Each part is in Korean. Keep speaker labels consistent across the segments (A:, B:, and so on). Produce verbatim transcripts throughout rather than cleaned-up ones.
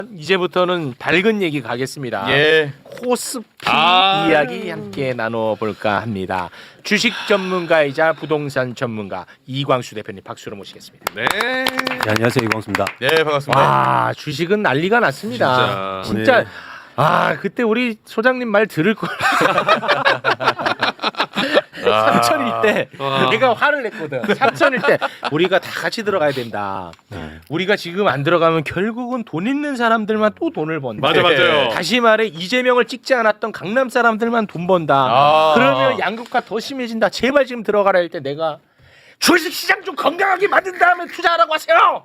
A: 이제부터는 밝은 얘기 가겠습니다.
B: 예.
A: 코스피
B: 아.
A: 이야기 함께 나눠볼까 합니다. 주식 전문가이자 부동산 전문가 이광수 대표님 박수로 모시겠습니다.
B: 네.
C: 네, 안녕하세요, 이광수입니다.
B: 네, 반갑습니다.
A: 와 주식은 난리가 났습니다.
B: 진짜.
A: 진짜
C: 네.
A: 아 그때 우리 소장님 말 들을 걸. 삼천일 때
B: 아.
A: 내가 화를 냈거든. 삼천일 때 우리가 다 같이 들어가야 된다.
C: 네.
A: 우리가 지금 안 들어가면 결국은 돈 있는 사람들만 또 돈을 번다.
B: 맞아, 맞아요.
A: 다시 말해 이재명을 찍지 않았던 강남 사람들만 돈 번다.
B: 아.
A: 그러면 양극화 더 심해진다. 제발 지금 들어가라 할 때 내가 주식시장 좀 건강하게 만든 다음에 투자하라고 하세요.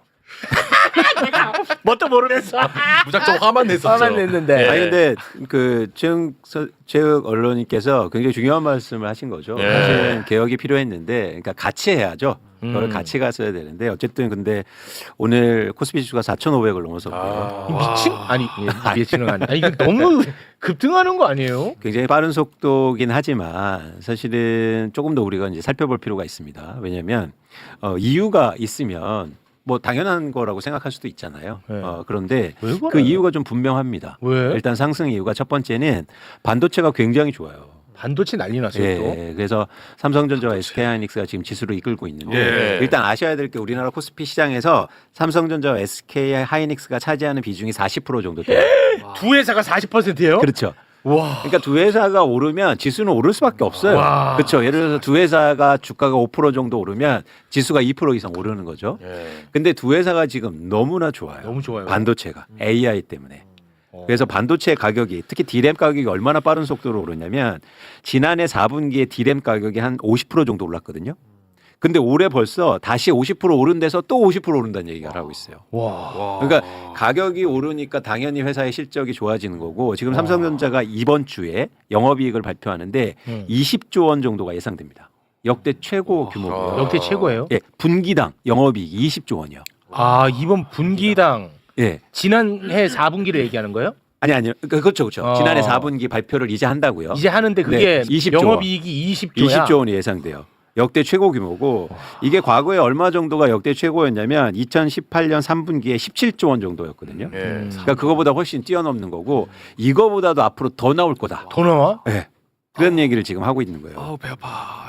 A: 내가 뭣도 모르면서
B: 무작정 화만 냈었죠.
A: 화만 냈는데.
B: 예.
C: 아니 근데 그 최영 서- 최욱 언론님께서 굉장히 중요한 말씀을 하신 거죠.
B: 예.
C: 사실은 개혁이 필요했는데, 그러니까 같이 해야죠. 그걸
A: 음.
C: 같이 갔어야 되는데 어쨌든 근데 오늘 코스피 지수가 사천오백을 넘어섰고요.
A: 이 미친 아니 예, 미친은 아니. 아니 이거 너무 급등하는 거 아니에요?
C: 굉장히 빠른 속도긴 하지만 사실은 조금 더 우리가 이제 살펴볼 필요가 있습니다. 왜냐하면 어, 이유가 있으면 뭐 당연한 거라고 생각할 수도 있잖아요.
A: 네.
C: 어, 그런데
A: 왜 그래요?
C: 그 이유가 좀 분명합니다.
A: 왜?
C: 일단 상승 이유가 첫 번째는 반도체가 굉장히 좋아요.
A: 반도체 난리 났어요 또.
C: 예, 그래서 삼성전자와 에스케이하이닉스가 지금 지수를 이끌고 있는데
B: 예.
C: 일단 아셔야 될 게 우리나라 코스피 시장에서 삼성전자와 에스케이하이닉스가 차지하는 비중이 사십 퍼센트 정도 돼요.
A: 두 회사가 사십 퍼센트예요?
C: 그렇죠.
A: 와.
C: 그러니까 두 회사가 오르면 지수는 오를 수밖에 없어요.
A: 와.
C: 그렇죠. 예를 들어서 두 회사가 주가가 오 퍼센트 정도 오르면 지수가 이 퍼센트 이상 오르는 거죠.
B: 예.
C: 근데 두 회사가 지금 너무나 좋아요.
A: 너무 좋아요.
C: 반도체가 에이아이 때문에.
A: 어.
C: 그래서 반도체 가격이 특히 디램 가격이 얼마나 빠른 속도로 오르냐면 지난해 사 분기에 디램 가격이 한 오십 퍼센트 정도 올랐거든요. 근데 올해 벌써 다시 오십 퍼센트 오른 데서 또 오십 퍼센트 오른다는 얘기가 하고 있어요.
A: 와.
B: 와.
C: 그러니까 가격이 오르니까 당연히 회사의 실적이 좋아지는 거고 지금 삼성전자가 이번 주에 영업이익을 발표하는데
A: 음.
C: 이십조 원 정도가 예상됩니다. 역대 최고 규모고요.
A: 역대 최고예요?
C: 예, 분기당 영업이익 이십조 원이요.
A: 아 이번 분기당
C: 예.
A: 지난해 사 분기를 얘기하는 거예요?
C: 아니 아니요. 그- 그렇죠. 그렇죠.
A: 어.
C: 지난해 사 분기 발표를 이제 한다고요.
A: 이제 하는데 그게
C: 네, 이십조 원.
A: 영업이익이 이십조야.
C: 이십조 원이 예상돼요. 역대 최고 규모고 이게 과거에 얼마 정도가 역대 최고였냐면 이천십팔 년 삼 분기에 십칠조 원 정도였거든요.
B: 예.
A: 음.
C: 그러니까 그거보다 훨씬 뛰어넘는 거고 이거보다도 앞으로 더 나올 거다.
A: 더 나와?
C: 네. 그런 얘기를 지금 하고 있는 거예요.
B: 아우 배 아파.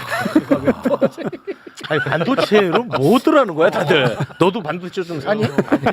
A: 아니 반도체로 뭐더라는 거야 다들? 너도 반도체 좀 사니?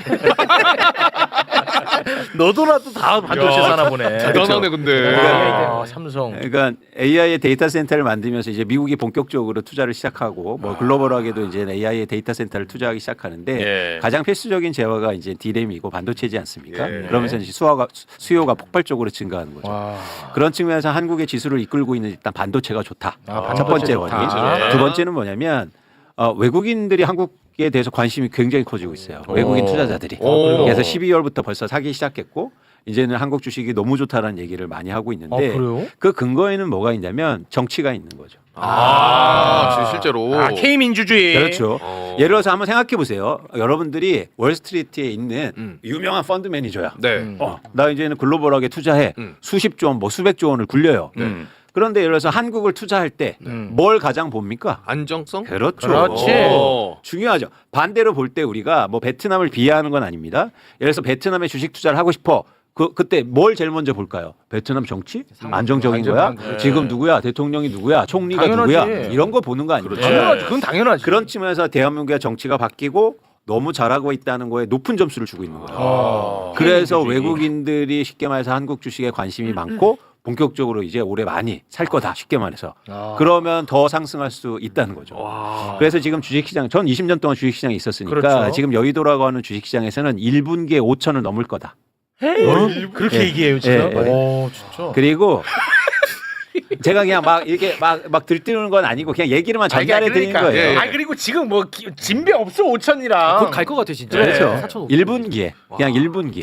A: 너도라도 다 반도체
B: 야,
A: 사나 보네.
B: 대단하네 근데.
A: 아, 삼성.
C: 그러니까 에이아이의 데이터 센터를 만들면서 이제 미국이 본격적으로 투자를 시작하고 뭐 글로벌하게도 이제 에이아이의 데이터 센터를 투자하기 시작하는데
B: 예.
C: 가장 필수적인 재화가 이제 디램이고 반도체지 않습니까?
B: 예.
C: 그러면서 이제 수요가 수요가 폭발적으로 증가하는 거죠.
A: 와.
C: 그런 측면에서 한국의 지수를 이끌고 있는 일단 반도체가 좋다.
A: 아,
C: 첫 번째
A: 반도체
C: 원인.
A: 좋다.
C: 두 번째는 뭐냐면 어, 외국인들이 한국에 대해서 관심이 굉장히 커지고 있어요. 외국인 투자자들이.
B: 오.
C: 그래서 십이월부터 벌써 사기 시작했고 이제는 한국 주식이 너무 좋다라는 얘기를 많이 하고
A: 아
C: 있는데
A: 그래요?
C: 그 근거에는 뭐가 있냐면 정치가 있는 거죠.
B: 아, 진- 실제로.
A: 아 K 민주주의.
C: 그렇죠.
B: 어.
C: 예를 들어서 한번 생각해 보세요. 여러분들이 월스트리트에 있는
B: 음.
C: 유명한 펀드 매니저야.
B: 네.
A: 음.
C: 어, 나 이제는 글로벌하게 투자해.
B: 음.
C: 수십조 원, 뭐 수백조 원을 굴려요.
B: 음.
C: 그런데 예를 들어서 한국을 투자할 때 뭘
A: 음.
C: 가장 봅니까?
B: 안정성?
C: 그렇죠.
A: 그렇지.
B: 오.
C: 중요하죠. 반대로 볼 때 우리가 뭐 베트남을 비하하는 건 아닙니다. 예를 들어서 베트남에 주식 투자를 하고 싶어. 그 그때 뭘 제일 먼저 볼까요? 베트남 정치? 안정적인
A: 안정-
C: 거야?
A: 안정-
C: 지금 누구야? 대통령이 누구야? 총리가
A: 당연하지.
C: 누구야? 이런 거 보는 거 아닙니까?
A: 당연하지. 그건 당연하지.
C: 그런 측면에서 대한민국의 정치가 바뀌고 너무 잘하고 있다는 거에 높은 점수를 주고 있는 거예요.
B: 아.
C: 그래서
A: 민주주의.
C: 외국인들이 쉽게 말해서 한국 주식에 관심이 많고 본격적으로 이제 올해 많이 살 거다. 쉽게 말해서.
A: 아.
C: 그러면 더 상승할 수 있다는 거죠.
B: 와.
C: 그래서 지금 주식시장, 전 이십 년 동안 주식시장에 있었으니까
A: 그렇죠.
C: 지금 여의도라고 하는 주식시장에서는 일 분기에 오천을 넘을 거다.
A: 어? 그렇게
C: 예.
A: 얘기해요 지금.
C: 예, 예.
B: 오, 진짜.
C: 그리고 제가 그냥 막 이렇게 막, 막 들뜨는 건 아니고 그냥 얘기를만 전달해 드리는
A: 그러니까.
C: 거예요.
B: 예, 예.
A: 아 그리고 지금 뭐 기- 진배 없어 오천이랑.
D: 곧 갈 것 같아 진짜.
C: 그렇죠.
D: 사천오백.
C: 일 분기에 그냥 일 분기에.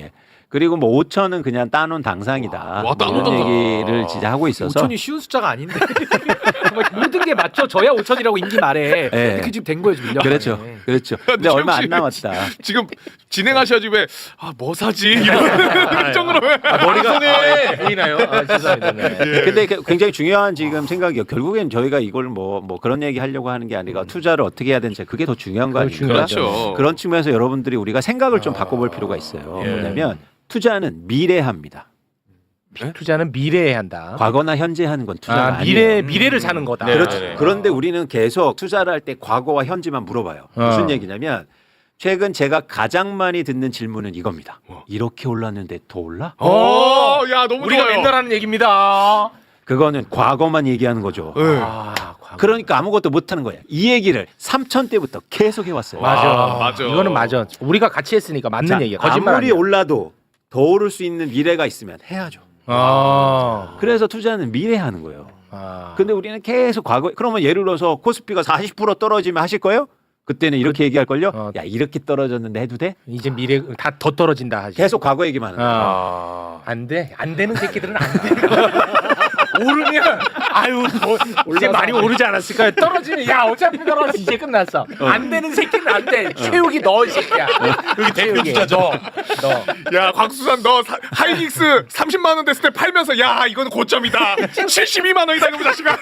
C: 그리고 뭐 오천은 그냥 따놓은 당상이다.
B: 와, 따놓은
C: 이런
B: 당상.
C: 얘기를 진짜 하고 있어서
D: 오천이 쉬운 숫자가 아닌데 정말 모든 게 맞춰져야 오천이라고 임기 말에
C: 네.
D: 이렇게 지금 된 거예요 지금. 일 년
C: 그렇죠,
D: 만에.
C: 그렇죠. 근데 얼마 안
B: 지금
C: 남았다.
B: 지금 진행하셔야지 왜 아 뭐 사지 이런 정도로 왜
A: 머리가 아, 보이나요? 아, 죄송합니다. 네.
C: 근데 그- 굉장히 중요한 지금 생각이요. 결국엔 저희가 이걸 뭐, 뭐 그런 얘기 하려고 하는 게 아니라 투자를 어떻게 해야 되는지 그게 더 중요한 거 아닙니까?
B: 그렇죠.
C: 그런 측면에서 여러분들이 우리가 생각을 좀 바꿔볼 필요가 있어요.
A: 예.
C: 뭐냐면 투자는 미래합니다.
A: 투자는 미래에 한다.
C: 과거나 현재 하는 건 투자가
A: 아,
C: 아니에요.
A: 미래 미래를 사는 거다.
C: 그렇죠.
A: 네.
C: 그런데 우리는 계속 투자를 할 때 과거와 현재만 물어봐요.
A: 어.
C: 무슨 얘기냐면 최근 제가 가장 많이 듣는 질문은 이겁니다. 이렇게 올랐는데 더 올라?
B: 어, 야 너무
A: 우리가
B: 좋아요.
A: 맨날 하는 얘기입니다.
C: 그거는 과거만 얘기하는 거죠.
B: 네.
A: 아, 과거.
C: 그러니까 아무것도 못하는 거야. 이 얘기를 삼천 때부터 계속 해왔어요.
A: 맞아.
B: 아, 맞아.
A: 이거는 맞아. 우리가 같이 했으니까 맞는
C: 자,
A: 얘기야. 거짓말
C: 아무리
A: 아니야.
C: 올라도 더 오를 수 있는 미래가 있으면 해야죠.
A: 아.
C: 그래서 투자는 미래 하는 거예요.
A: 아.
C: 근데 우리는 계속 과거. 그러면 예를 들어서 코스피가 사십 퍼센트 떨어지면 하실 거예요? 그때는 이렇게 얘기할 걸요.
A: 어.
C: 야 이렇게 떨어졌는데 해도 돼?
A: 이제 미래 다 더 떨어진다 하지.
C: 계속 과거 얘기만 하는 거예요.
A: 아. 안 돼. 안 되는 새끼들은 안 돼. 오르면 아유 뭐, 이제 많이 오르지 않았을까요? 떨어지면 야 어차피 떨어져 이제 끝났어. 안 되는 새끼는 안 돼. 최욱이 너 이 새끼야. 여기 대표 투자죠. 너. 너.
B: 야 곽수산 너 사, 하이닉스 삼십만 원 됐을 때 팔면서 야 이건 고점이다. 칠십이만 원이다 이거 자식아.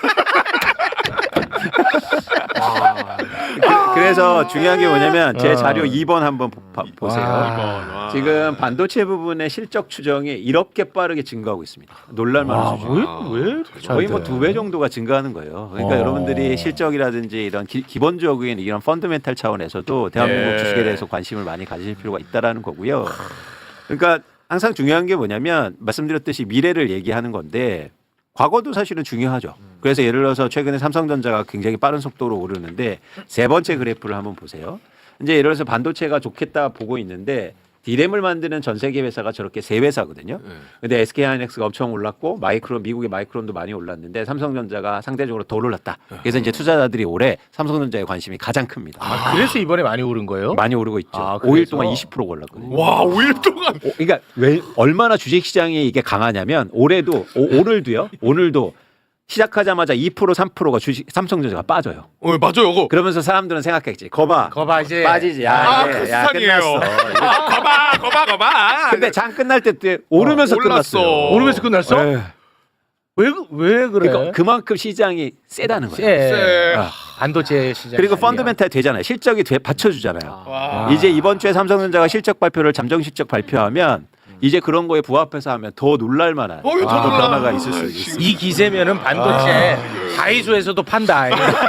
C: 그래서 중요한 게 뭐냐면 제
A: 어.
C: 자료 이 번 한번 보- 봐- 보세요.
A: 와.
C: 지금 반도체 부분의 실적 추정이 이렇게 빠르게 증가하고 있습니다. 놀랄만한
A: 아,
C: 수준.
A: 왜, 왜 이렇게 잘
C: 거의
A: 돼?
C: 뭐 두 배 정도가 증가하는 거예요. 그러니까
A: 어.
C: 여러분들이 실적이라든지 이런 기, 기본적인 이런 펀더멘탈 차원에서도 대한민국
B: 네.
C: 주식에 대해서 관심을 많이 가지실 필요가 있다라는 거고요. 그러니까 항상 중요한 게 뭐냐면 말씀드렸듯이 미래를 얘기하는 건데 과거도 사실은 중요하죠. 그래서 예를 들어서 최근에 삼성전자가 굉장히 빠른 속도로 오르는데 세 번째 그래프를 한번 보세요. 이제 예를 들어서 반도체가 좋겠다 보고 있는데 디램을 만드는 전 세계 회사가 저렇게 세 회사거든요. 근데 에스케이하이닉스가 엄청 올랐고 마이크론 미국의 마이크론도 많이 올랐는데 삼성전자가 상대적으로 덜 올랐다. 그래서 이제 투자자들이 올해 삼성전자에 관심이 가장 큽니다.
A: 아, 그래서 이번에 많이 오른 거예요?
C: 많이 오르고 있죠.
A: 아,
C: 오 일
A: 그래서?
C: 동안 이십 퍼센트 올랐거든요.
B: 와 오 일 동안.
C: 오, 그러니까 왜 얼마나 주식 시장이 이게 강하냐면 올해도 오, 오늘도요. 오늘도 시작하자마자 이 퍼센트 삼 퍼센트가 주식 삼성전자가 빠져요.
B: 어 맞아요 이거.
C: 그러면서 사람들은 생각했지. 거봐.
A: 거봐 이제
C: 빠지지. 야,
B: 아
C: 이제, 야
B: 크스탄이에요.
C: 끝났어.
B: 아 거봐 거봐 거봐.
C: 근데 장 끝날 때 때 오르면서
B: 어, 올랐어.
C: 끝났어요.
A: 오르면서 끝났어?
C: 네.
A: 왜, 그- 왜 그래?
C: 그러니까 그만큼 시장이 세다는 거예요.
A: 세.
B: 쎄.
C: 아.
A: 반도체 시장.
C: 그리고 펀더멘탈 되잖아요. 실적이 돼, 받쳐주잖아요.
B: 와.
C: 이제 이번 주에 삼성전자가 실적 발표를 잠정 실적 발표하면 이제 그런 거에 부합해서 하면 더 놀랄 만한
B: 어, 이거 더
C: 아,
B: 놀라.
C: 변화가 있을 수 있어요.
A: 이 기세면은 반도체 다이소에서도 판다.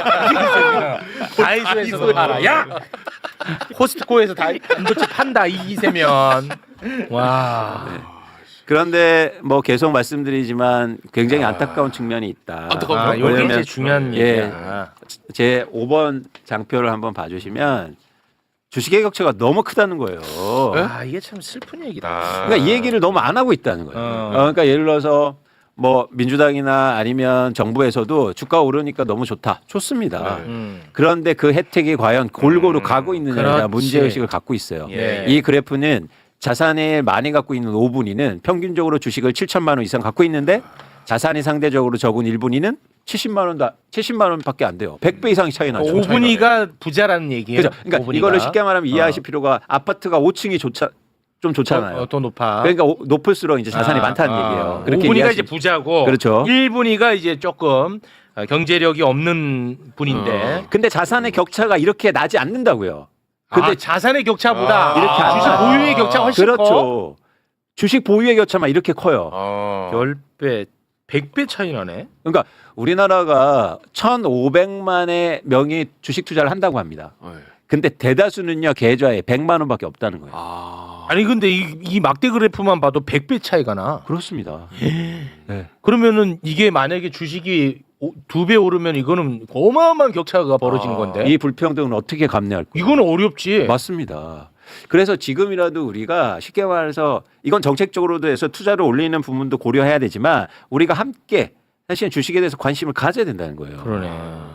A: 다이소에서도 팔아. 야, 코스트코에서 다 반도체 판다. 이 기세면. 와.
C: 그런데 뭐 계속 말씀드리지만 굉장히 안타까운 측면이 있다.
B: 안타까운
A: 아,
B: 거?
A: 요게
C: 왜냐면
A: 이제 중요한
C: 예.
A: 얘기야.
C: 제 오 번 장표를 한번 봐주시면 주식의 격차가 너무 크다는 거예요.
A: 아, 이게 참 슬픈 얘기다.
C: 그러니까 이 얘기를 너무 안 하고 있다는 거예요.
A: 어.
C: 어, 그러니까 예를 들어서 뭐 민주당이나 아니면 정부에서도 주가 오르니까 너무 좋다. 좋습니다.
A: 음.
C: 그런데 그 혜택이 과연 골고루 가고 있느냐에 대한
A: 그렇지.
C: 문제의식을 갖고 있어요.
A: 예.
C: 이 그래프는 자산을 많이 갖고 있는 오 분위는 평균적으로 주식을 칠천만 원 이상 갖고 있는데 자산이 상대적으로 적은 일 분위는 칠십만 원도 칠십만 원밖에 안 돼요. 백 배 이상 차이 나죠.
A: 오 분위가 부자라는 얘기예요.
C: 그죠? 그러니까
A: 오 분위가.
C: 이거를 쉽게 말하면 이해하실
A: 어.
C: 필요가 아파트가 오 층이 좋자 좀 좋잖아요.
A: 어, 어, 더 높아.
C: 그러니까 오- 높을수록 이제 자산이
A: 아,
C: 많다는
A: 아.
C: 얘기예요.
A: 오
C: 그렇게
A: 분위가
C: 이해하시-
A: 이제 부자고,
C: 그렇죠.
A: 일 분위가 이제 조금 어, 경제력이 없는 분인데.
C: 근데 자산의 격차가 이렇게 나지 않는다고요.
A: 근데
C: 근데
A: 자산의 격차보다
B: 아,
A: 이렇게
C: 안
A: 주식
C: 나요.
A: 보유의 격차 훨씬 커.
C: 그렇죠. 주식 보유의 격차만 이렇게 커요.
B: 어.
A: 열 배, 백 배 차이 나네.
C: 그러니까 우리나라가 천오백만의 명의 주식 투자를 한다고 합니다.
B: 네.
C: 근데 대다수는요 계좌에 백만 원밖에 없다는 거예요.
B: 아.
A: 아니 근데 이, 이 막대 그래프만 봐도 백 배 차이가 나.
C: 그렇습니다. 네.
A: 그러면은 이게 만약에 주식이 두 배 오르면 이거는 어마어마한 격차가 벌어지는
B: 아.
A: 건데.
C: 이 불평등은 어떻게 감내할 거예요?
A: 이거는 어렵지.
C: 맞습니다. 그래서 지금이라도 우리가 쉽게 말해서 이건 정책적으로도 해서 투자를 올리는 부분도 고려해야 되지만 우리가 함께 사실 주식에 대해서 관심을 가져야 된다는 거예요.
A: 그러네.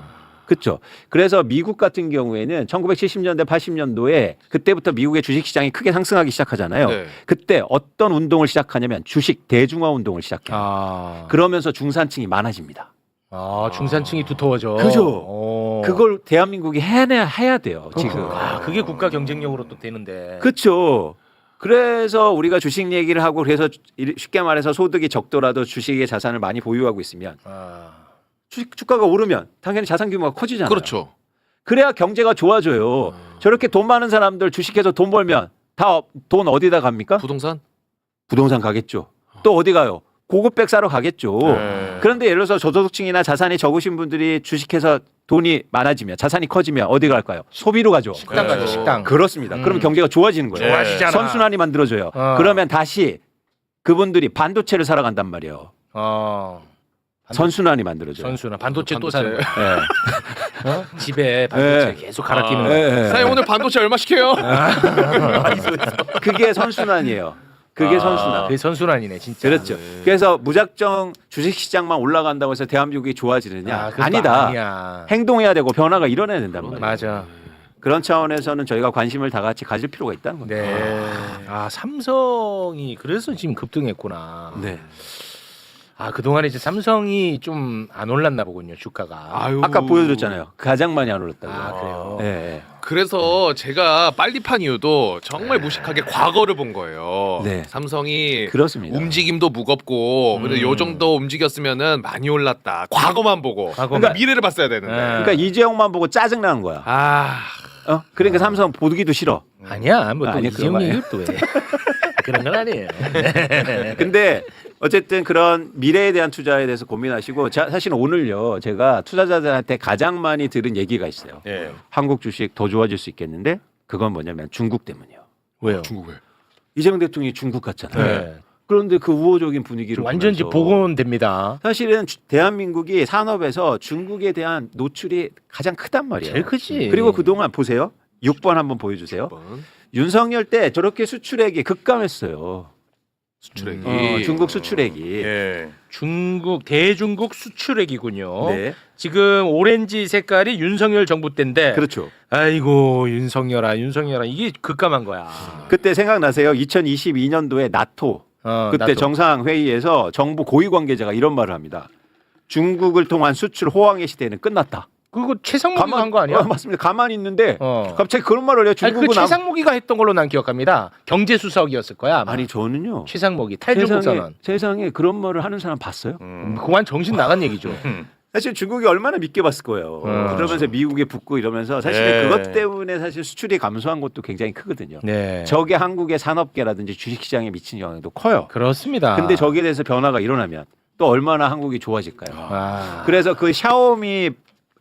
C: 그렇죠. 그래서 미국 같은 경우에는 천구백칠십 년대 팔십 년도에 그때부터 미국의 주식 시장이 크게 상승하기 시작하잖아요.
B: 네.
C: 그때 어떤 운동을 시작하냐면 주식 대중화 운동을 시작해요.
A: 아,
C: 그러면서 중산층이 많아집니다.
A: 아 중산층이 두터워져.
C: 그죠.
A: 어.
C: 그걸 대한민국이 해내야 해야 돼요. 지금.
A: 아, 그게 국가 경쟁력으로 또 되는데.
C: 그렇죠. 그래서 우리가 주식 얘기를 하고 그래서 쉽게 말해서 소득이 적더라도 주식의 자산을 많이 보유하고 있으면
A: 아,
C: 주식 주가가 오르면 당연히 자산 규모가 커지잖아요.
B: 그렇죠.
C: 그래야 경제가 좋아져요. 저렇게 돈 많은 사람들 주식해서 돈 벌면 다 돈 어디다 갑니까?
B: 부동산?
C: 부동산 가겠죠. 또 어디 가요? 고급백 사러 가겠죠.
B: 네.
C: 그런데 예를 들어서 저소득층이나 자산이 적으신 분들이 주식해서 돈이 많아지면 자산이 커지면 어디 갈까요? 소비로 가죠.
A: 식당 가죠.
B: 네.
A: 식당.
C: 그렇습니다.
A: 음.
C: 그러면 경제가 좋아지는 거예요.
A: 좋아지잖아.
C: 선순환이 만들어져요.
A: 어.
C: 그러면 다시 그분들이 반도체를 사러 간단 말이에요.
A: 어. 반도-
C: 선순환이 만들어져요.
A: 선수나 반도체, 또
B: 반도체.
A: 사는 거야.
C: 예.
A: 어? 집에 반도체
C: 네.
A: 계속 갈아 끼는
B: 아.
A: 거야.
C: 예, 예.
B: 사장님 오늘 반도체 얼마씩 해요?
C: 그게 선순환이에요. 그게
B: 아.
C: 선순환.
A: 그게 선순환이네 진짜.
C: 그렇죠.
B: 네.
C: 그래서 무작정 주식 시장만 올라간다고 해서 대한민국이 좋아지느냐?
A: 아, 그건 또
C: 아니다.
A: 아니야.
C: 행동해야 되고 변화가 일어나야 된단 말이에요.
A: 맞아.
C: 그런 차원에서는 저희가 관심을 다 같이 가질 필요가 있다는 거죠.
A: 네. 아 삼성이 그래서 지금 급등했구나.
C: 네.
A: 아 그동안에 이제 삼성이 좀 안 올랐나 보군요 주가가.
B: 아유.
C: 아까 보여드렸잖아요. 가장 많이 안 올랐다고.
A: 아, 그래요?
C: 예, 예.
B: 그래서 제가 빨리 판 이유도 정말 무식하게 과거를 본 거예요.
C: 네.
B: 삼성이
C: 그렇습니다.
B: 움직임도 무겁고 그래도
A: 음.
B: 요 정도 움직였으면은 많이 올랐다. 과거만 보고.
A: 과거만.
B: 그러니까 미래를 봤어야 되는데.
A: 네.
C: 그러니까 이재용만 보고 짜증 나는 거야.
B: 아,
C: 어? 그러니까 삼성 보기도 싫어.
A: 아니야 뭐또
C: 아니,
A: 이재용
C: 그거
A: 얘기 또 왜? 그런 건 아니에요.
C: 근데 어쨌든 그런 미래에 대한 투자에 대해서 고민하시고 자, 사실 오늘요 제가 투자자들한테 가장 많이 들은 얘기가 있어요.
B: 예.
C: 한국 주식 더 좋아질 수 있겠는데 그건 뭐냐면 중국 때문이요.
A: 왜요?
B: 중국에.
C: 이재명 대통령이 중국 갔잖아요.
A: 네.
C: 그런데 그 우호적인 분위기를
A: 완전 지
C: 보면서
A: 복원됩니다.
C: 사실은 주- 대한민국이 산업에서 중국에 대한 노출이 가장 크단 말이에요.
A: 제일 크지.
C: 그리고 그동안 보세요. 육 번 한번 보여주세요.
B: 번
C: 윤석열 때 저렇게 수출액이 급감했어요.
B: 수출액이.
C: 어, 중국 수출액이.
B: 예.
A: 중국 대중국 수출액이군요.
C: 네.
A: 지금 오렌지 색깔이 윤석열 정부 때인데.
C: 그렇죠.
A: 아이고 윤석열아 윤석열아 이게 급감한 거야.
C: 그때 생각나세요? 이천이십이 년도에 나토
A: 어,
C: 그때
A: 나도.
C: 정상 회의에서 정부 고위 관계자가 이런 말을 합니다. 중국을 통한 수출 호황의 시대는 끝났다.
A: 그거 최상목이가 한 거 아니야?
C: 어, 맞습니다. 가만히 있는데
A: 어.
C: 갑자기 그런 말을 해요.
A: 아니, 그
C: 중국은 남-
A: 최상목이가 했던 걸로 난 기억합니다. 경제수석이었을 거야. 아마.
C: 아니 저는요.
A: 최상목이
C: 세상에,
A: 탈중국선언.
C: 세상에 그런 말을 하는 사람 봤어요?
A: 음. 그건 정신 나간 얘기죠.
C: 사실 중국이 얼마나 믿게 봤을 거예요.
A: 음.
C: 그러면서 미국에 붙고 이러면서 사실
B: 네.
C: 그것 때문에 사실 수출이 감소한 것도 굉장히 크거든요.
A: 네.
C: 저게 한국의 산업계라든지 주식시장에 미치는 영향도 커요.
A: 그렇습니다.
C: 근데 저기에 대해서 변화가 일어나면 또 얼마나 한국이 좋아질까요?
A: 아.
C: 그래서 그 샤오미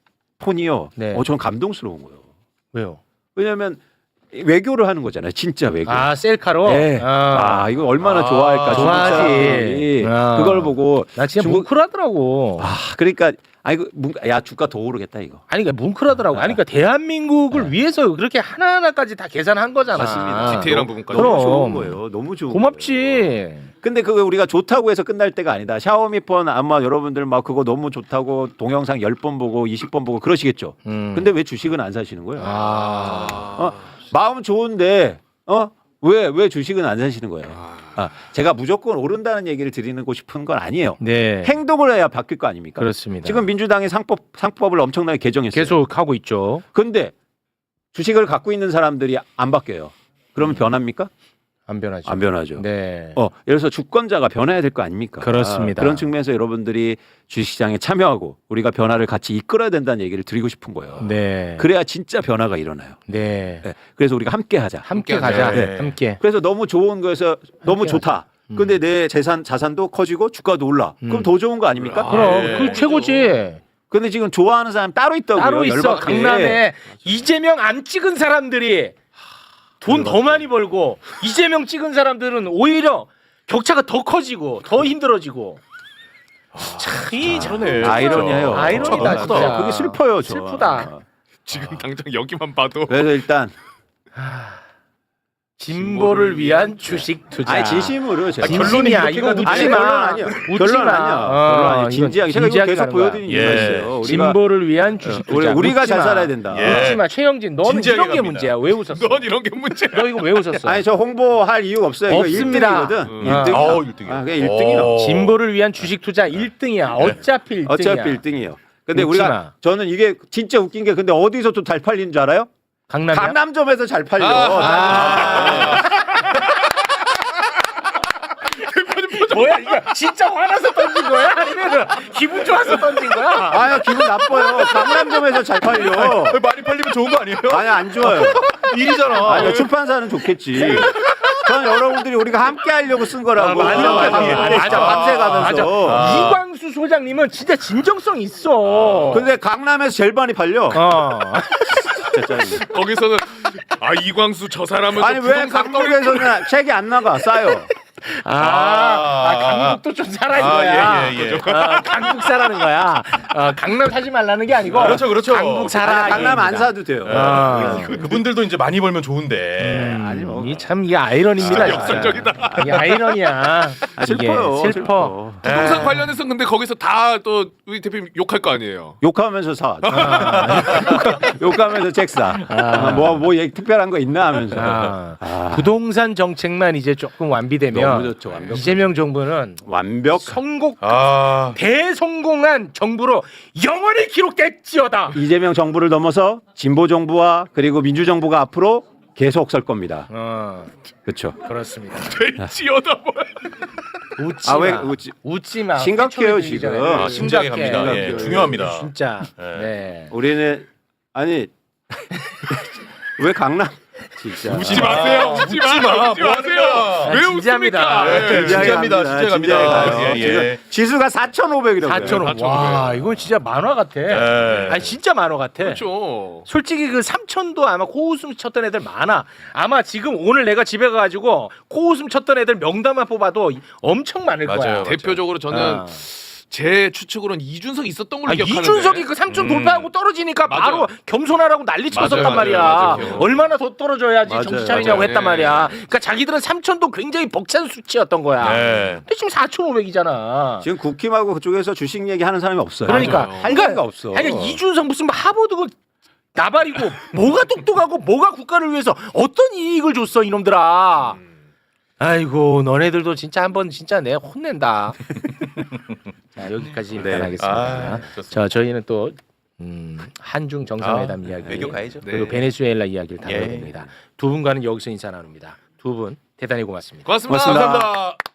C: 폰이요.
A: 네.
C: 어, 전 감동스러운 거예요.
A: 왜요?
C: 왜냐하면 외교를 하는 거잖아요. 진짜 외교.
A: 아 셀카로.
C: 네.
A: 아,
C: 아, 이거 얼마나
B: 아,
C: 좋아할까. 중국
A: 좋아하지.
C: 사람들이
A: 아.
C: 그걸 보고
A: 나 진짜
C: 중국-
A: 뭉클하더라고.
C: 아, 그러니까 아이고 문- 야 주가 더 오르겠다 이거.
A: 아니 그러니까 뭉클하더라고. 아니 그러니까 대한민국을 위해서 그렇게 하나하나까지 다 계산한 거잖아.
C: 맞습니다.
B: 디테일한 부분까지.
C: 너무
A: 그럼.
C: 좋은 거예요. 너무 좋은 거예요.
A: 고맙지.
C: 근데 그거 우리가 좋다고 해서 끝날 때가 아니다. 샤오미 폰 아마 여러분들 막 그거 너무 좋다고 동영상 열 번 보고 이십 번 보고 그러시겠죠.
A: 음.
C: 근데 왜 주식은 안 사시는 거예요?
A: 아.
C: 어? 마음 좋은데 어? 왜 왜 주식은 안 사시는 거예요? 아, 제가 무조건 오른다는 얘기를 드리고 싶은 건 아니에요.
A: 네.
C: 행동을 해야 바뀔 거 아닙니까?
A: 그렇습니다.
C: 지금 민주당이 상법 상법을 엄청나게 개정했어요.
A: 계속 하고 있죠.
C: 근데 주식을 갖고 있는 사람들이 안 바뀌어요. 그러면 변합니까?
A: 안 변하죠.
C: 안 변하죠.
A: 네.
C: 어, 예를 들어서 주권자가 변해야 될 거 아닙니까?
A: 그렇습니다.
C: 아, 그런 측면에서 여러분들이 주식시장에 참여하고 우리가 변화를 같이 이끌어야 된다는 얘기를 드리고 싶은 거예요.
A: 네.
C: 그래야 진짜 변화가 일어나요.
A: 네.
C: 네. 그래서 우리가 함께 하자.
A: 함께
B: 함께
A: 가자.
B: 하자. 네.
A: 함께.
C: 그래서 너무 좋은 거에서 너무
A: 함께
C: 좋다. 근데 내 재산 자산도 커지고 주가도 올라.
A: 음.
C: 그럼 더 좋은 거 아닙니까?
B: 아,
A: 그럼
B: 예.
A: 그 최고지.
C: 근데 지금 좋아하는 사람 따로 있다고요.
A: 따로 있어.
C: 열받게.
A: 강남에 이재명 안 찍은 사람들이 돈 더 많이 벌고 이재명 찍은 사람들은 오히려 격차가 더 커지고 더 힘들어지고. 참이
B: 그러네.
C: 아이러니해요.
A: 아이러니다,
C: 저,
A: 진짜.
C: 그게 슬퍼요. 저.
A: 슬프다.
B: 지금 당장 여기만 봐도
C: 그래서 일단
A: 진보를 위한 주식 투자.
C: 아니 진심으로 제가
A: 진심이야. 이거
C: 아니
A: 웃지
C: 결론
A: 마.
C: 아니야.
A: 웃지
C: 결론
A: 마.
C: 아니야.
A: 어,
C: 결론 아니야.
A: 이건
C: 진지하게 제가 이거
A: 진지하게
C: 계속
A: 가는 거야.
C: 보여드리는
B: 예.
C: 이유가 있어요. 우리가
A: 진보를 위한 주식
C: 우리,
A: 투자.
C: 우리가
A: 웃지
C: 잘
A: 마.
C: 살아야 된다.
B: 예.
A: 웃지 마. 최영진, 너는
B: 진지하게
A: 이런 게
B: 갑니다.
A: 문제야. 왜 웃었어?
B: 넌 이런 게 문제야.
A: 너 이거 왜 웃었어?
C: 아니 저 홍보할 이유가 없어요. 이거
A: 없습니다.
C: 일 등이거든.
A: 음.
C: 일 등.
B: 어, 일 등이야.
C: 아, 그게 일 등이요.
A: 진보를 위한 주식 투자 일 등이야. 어차피 일 등이야.
C: 어차피 일 등이에요. 근데
A: 웃지
C: 우리가
A: 마.
C: 저는 이게 진짜 웃긴 게 근데 어디서 또 잘 팔리는 줄 알아요?
A: 강남이야?
C: 강남점에서 잘 팔려.
A: 아. 뭐야 이거 진짜 화나서 던진 거야? 아니면 기분 좋아서 던진 거야?
C: 아유 기분 나빠요. 강남점에서 잘 팔려.
B: 많이 팔리면 좋은 거 아니에요?
C: 아니 안 좋아요.
B: 일이잖아.
C: 아니 출판사는 좋겠지. 전 여러분들이 우리가 함께 하려고 쓴 거라고.
A: 아, 맞아, 맞아,
C: 밤새
A: 맞아.
C: 진짜 밤새 가면서.
A: 맞아. 이광수 소장님은 진짜 진정성 있어.
C: 근데 강남에서 제일 많이 팔려.
A: 어.
C: 진짜 짜증나.
B: 거기서는 아 이광수 저 사람은
C: 아니 왜 강북에서는 책이 안 나가 싸요.
A: 아, 아, 강북도 좀 사라는
B: 아,
A: 거야.
B: 예, 예, 예.
A: 어, 강북 사라는 거야. 어, 강남 사지 말라는 게 아니고.
B: 그렇죠, 그렇죠.
A: 강북 사라.
C: 아니, 강남 안
A: 얘기입니다.
C: 사도 돼요.
A: 아.
B: 그, 그분들도 이제 많이 벌면 좋은데.
A: 음,
C: 아니, 뭐.
A: 이참 이게 아이러니입니다.
B: 아,
A: 진짜.
B: 역설적이다.
A: 이게 아이러니야.
C: 아, 슬퍼요.
A: 이게 슬퍼.
B: 부동산 관련해서 근데 거기서 다 또 우리 대표님 욕할 거 아니에요.
C: 욕하면서 사. 욕하면서 책 사.
A: 아.
C: 뭐뭐 뭐 얘기 특별한 거 있나 하면서.
A: 아.
C: 아.
A: 부동산 정책만 이제 조금 완비되면
C: 너무 좋죠, 완벽.
A: 이재명 정부는
C: 완벽.
A: 성공
B: 아.
A: 대성공한 정부로 영원히 기록될지어다.
C: 이재명 정부를 넘어서 진보 정부와 그리고 민주 정부가 앞으로 계속 설 겁니다.
A: 어,
C: 그렇죠.
A: 그렇습니다.
B: 될지어다 뭐야.
A: 웃지
C: 아,
A: 마.
C: 왜 웃지?
A: 웃지 마.
C: 심각해요,
A: 휘청이
C: 지금.
A: 들리잖아요.
B: 아, 심장이
A: 심각해.
B: 갑니다. 예,
C: 심각해요.
B: 중요합니다.
A: 진짜.
B: 네.
A: 네.
C: 우리는 아니 왜 강남 진짜
B: 웃지 마세요. 웃지 마. 웃지 마세요. 왜
A: 진지합니다.
B: 웃습니까?
A: 네,
B: 진지합니다. 진지합니다.
C: 진지하게 가요.
B: 예, 예.
C: 지금 지수가 사천오백이라고요.
A: 사천오백. 와, 이건 진짜 만화 같아.
B: 예.
A: 아니 진짜 만화 같아.
B: 그렇죠.
A: 솔직히 그 삼천도 아마 코웃음 쳤던 애들 많아. 아마 지금 오늘 내가 집에 가가지고 코웃음 쳤던 애들 명단만 뽑아도 엄청 많을
B: 맞아요.
A: 거야.
B: 대표적으로 저는
A: 아.
B: 제 추측으로는 이준석 있었던 걸로
A: 아,
B: 기억하는데.
A: 이준석이 그 삼천
B: 음.
A: 돌파하고 떨어지니까
B: 맞아요.
A: 바로 겸손하라고 난리 쳤었단
B: 맞아요,
A: 말이야.
B: 맞아요, 맞아요.
A: 얼마나 더 떨어져야지
C: 맞아요,
A: 정신 차리냐고
B: 맞아요.
A: 했단
B: 네.
A: 말이야. 그러니까 자기들은 삼천도 굉장히 벅찬 수치였던 거야.
B: 네.
A: 근데 지금 사천오백이잖아.
C: 지금 국힘하고 그쪽에서 주식 얘기하는 사람이 없어요.
A: 그러니까
B: 맞아요.
C: 할 얘기가 없어.
A: 아니 이준석 무슨 뭐 하버드 그 나발이고 뭐가 똑똑하고 뭐가 국가를 위해서 어떤 이익을 줬어 이놈들아. 아이고 너네들도 진짜 한번 진짜 내 혼낸다. 자 여기까지 일단
C: 네.
A: 하겠습니다.
B: 아, 좋습니다.
A: 자 저희는 또 음, 한중 정상회담
B: 아,
A: 이야기
B: 외교 가야죠.
A: 그리고
B: 네.
A: 베네수엘라 이야기를 다뤄야
B: 예.
A: 됩니다. 두 분과는 여기서 인사 나눕니다. 두 분 대단히 고맙습니다.
B: 고맙습니다.
C: 고맙습니다.
B: 감사합니다.